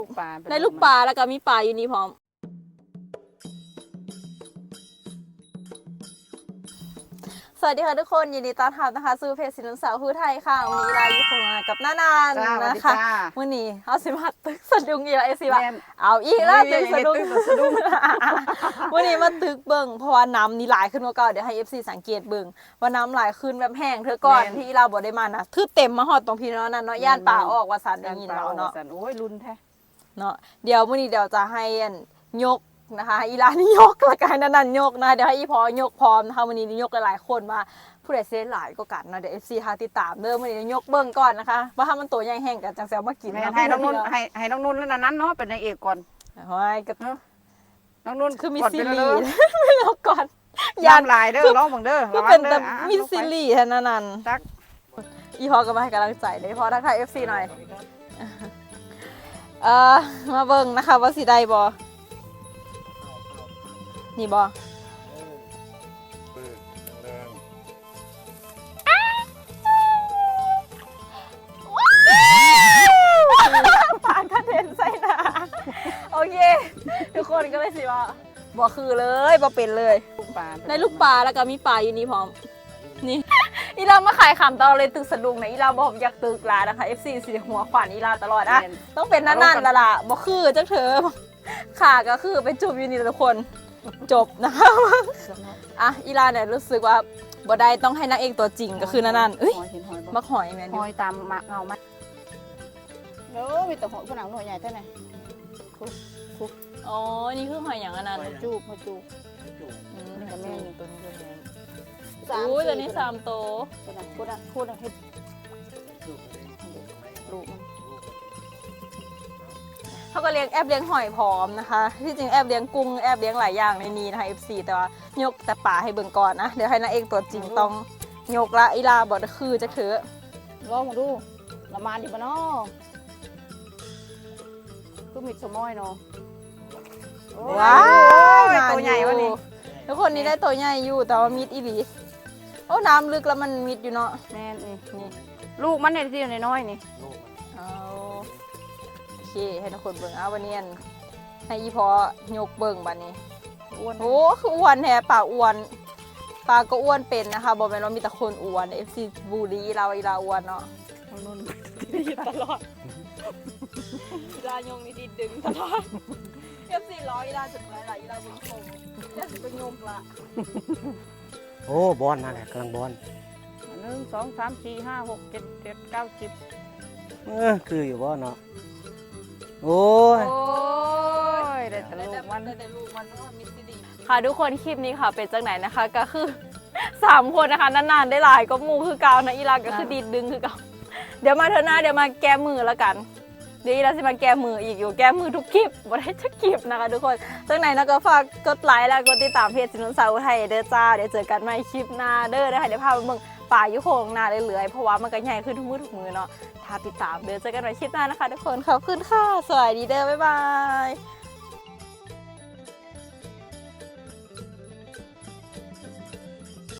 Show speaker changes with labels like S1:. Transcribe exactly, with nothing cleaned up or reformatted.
S1: ในลูกปลาแล้วก็มีปลาอยู่นี่พร้อมสวัสดีค่ะทุกคนยินดีต้อนรับนะคะสู่เพจสินสาวผู้ไทยค่ะวันนี้เราอยู่กับน้านานนะคะวันนี้เอาสิมาตึกสะดุ้งอีกแล้วไอซีว่าเอาอีกแล้วตึกสะดุ้งวันนี้มาตึกเบิ่งเพราะว่าน้ำนี่หลายขึ้นกว่าเก่าเดี๋ยวให้เอฟซีสังเกตเบิ่งว่าน้ำหลายขึ้นแบบแห้งเธอก่อนที่เราบอกได้มานะคือเต็มมาหอดตรงพี่น้องนั่นเนาะย่านป่าออกว่าสันได้ยินเราเนาะ
S2: โอ้ยรุนแท้
S1: เนาะเดี๋ยววันนี้เดี๋ยวจะให้ยกนะคะอีลานี่ยกละกันนั่นยกนะเดี๋ยวให้อีพอยกพร้อมนะคะวันนี้ยกหลายๆคนมาผู้ใดเซนหลายก็กันนะเดี๋ยวเอฟซีทาติดตามเริ่มวันนี้ยกเบิ้งก่อนนะคะว่าถ้ามันตัวใหญ่แห้งกันจังแซวมากิน
S2: ให้น้องนุ่นให้ให้น้องนุ่นแล้วนั้นเนาะเป็นนางเอกก่อน
S1: ห้อยก็
S2: น้องนุ่น
S1: คือมีซีรีส์ไม่ยกก่อน
S2: ยามลายเด้อร้องบังเด้อ
S1: ก็เป็นแต่มีซีรีส์แค่นั้นตักอีพอก็มาให้กำลังใจเลยพอทักทายเอฟซีหน่อยเออมาเบิ้งนะคะว่าสีใดบอนี่บอปากกระเด็นใส่หน้าโอเคทุกคนก็เลยสิว่าบอคือเลยบอเป็นเลยในลูกปลาแล้วก็มีปลาอยู่นี่พร้อมนี่อีลามาขายขำตลอดเลยตึกสะดุ้งนะอีลาบอกอยากตึกลานะคะ เอฟ ซี สีหัวขวานอีลาตลอดอ่ะต้องเป็นนั่นๆละล่ะบอคือจังเธอขาก็คือไปจูบอยู่นี่ทุกคนจบนะคะอ่ะอีลาเนี่ยรู้สึกว่าบ่ได้ต้องให้นางเอกตัวจริงก็คือนั่นๆเอ้ยมักหอยแมน
S2: หอยตามมะเงาไหมเด้อมีแต่หอยผนังหน่วยใหญ่เท่าไหร่
S1: อ๋อนี่คือหอยอย่างนั้น
S2: จูบหอยจูบ
S1: นี่ก็แม่นี่ตัวนี้ตัวนี้อู้ตัวนี้สามโต
S2: พูดนะพูดนะพูดนะเฮ็ดลูก
S1: เขาก็เลี้ยงแอบเลี้ยงหอยพร้อมนะคะที่จริงแอบเลี้ยงกุ้งแอบเลี้ยงหลายอย่างในนี้นะคะ เอฟ ซี แต่ว่ายกแต่ป่าให้เบิ่งก่อนนะเดี๋ยวให้นางเอกตัวจริงต้องยกละอีลาบอกคือจะถือ
S2: ลองมาดูละมานดิบเนาะก็มีสมอยเนาะ
S1: ว้าวตัวใหญ่วะนี่ทุกคนนี้ได้ตัวใหญ่อยู่แต่ว่ามิดอีหลีโอ้น้ำลึกแล้วมันมิดอยู่เนาะ
S2: แม่นี่นี่ลูกมันในที่น้อยนี่
S1: โอเคให้ทุกคนเบิ่งเอาวันนี้ให้อีพอยกเบิ่งบัดนี้อ้วนโอ้คืออ้วนแท้ปลาอ้วนปลาก็อ้วนเป็นนะคะบอกไปว่ามีแต่คนอ้วนเอฟซีบูรีเราอีลาอ้วนเนาะนุ่นดีตลอดอีลายงนี่ดีดึงตลอดเอฟซีร้อยอีลาจุดไหนล่ะอีลาบุญคงจะเป็นยมละ
S3: โอ้บอลนั่นแหละกำลังบอล
S2: หนึ่งสองสามสี่ห้าหกเจ็ดเจ็ดเก้าสิบ
S3: เออคืออยู่บอลเนาะโอ้ย
S1: ได้แต่ลูกมันได้ลูกมันมิสดีค่ะทุกคนคลิปนี้ค่ะเป็นจังไหนนะคะก็คือสามคนนะคะนานๆได้หลายก็มูคือเกานะอีลาก็คือดีดดึงคือเกาเดี๋ยวมาเธอหน้าเดี๋ยวมาแก้มือแล้วกันเดี๋ยวอีลาจะมาแก้มืออีกอยู่แก้มือทุกคลิปบ่ได้ทุกคลิปนะคะทุกคนจังไหนนะก็ฝากกดไลค์และกดติดตามเพจสินสาวไทยเด้อจ้าเดี๋ยวเจอกันใหม่คลิปหน้าเด้อนะคะเดี๋ยวพาไปเบิ่งป่ายุโคงนาเรื่อยๆเพราะว่ามันก็ใหญ่ขึ้นทุกมือทุกมือเนาะถ้าติดตามเดี๋ยวเจอกันใหม่คลิปหน้านะคะทุกคนขอบคุณค่ะสวัสดีเด้อบ๊ายบาย